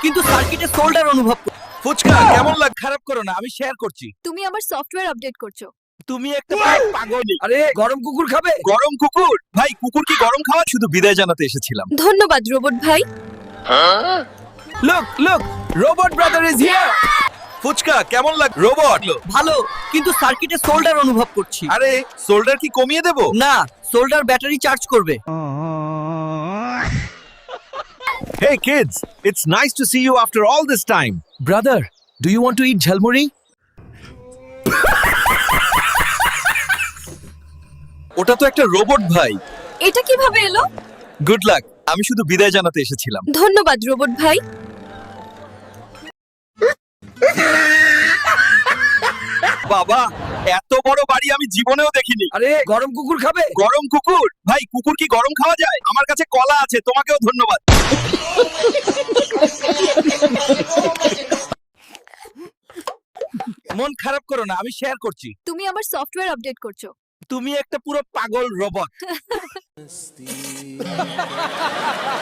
কিন্তু সার্কিটে সোল্ডার অনুভব করছি। ফুচকা কেমন লাগ? খারাপ করো না, আমি শেয়ার করছি। তুমি আমার সফটওয়্যার আপডেট করছো। তুমি একটা পাগল। আরে গরম কুকুর খাবে? গরম কুকুর? ভাই কুকুর কি গরম খাওয়া? শুধু বিদায় জানাতে এসেছিলাম। ধন্যবাদ রোবট ভাই। Look look, robot brother is here. Phuchka কেমন লাগ? রোবট ভালো, কিন্তু সার্কিটে সোল্ডার অনুভব করছি। আরে শোল্ডার কি কমিয়ে দেব? না, সোল্ডার ব্যাটারি চার্জ করবে। Hey kids, it's nice to see you after all this time. Brother, do you want to eat jhalmuri? ওটা তো একটা রোবট ভাই। এটা কিভাবে এলো? গুড লাক, আমি শুধু বিদায় জানাতে এসেছিলাম। ধন্যবাদ রোবট ভাই। বাবা, এত বড় বাড়ি আমি জীবনেও দেখিনি। আরে গরম কুকুর খাবে? গরম কুকুর? ভাই কুকুর কি গরম খাওয়া যায়? আমার কাছে কলা আছে, তোমাকেও ধন্যবাদ। মন খারাপ করো না, আমি শেয়ার করছি। তুমি আমার সফটওয়্যার আপডেট করছো। তুমি একটা পুরো পাগল রোবট।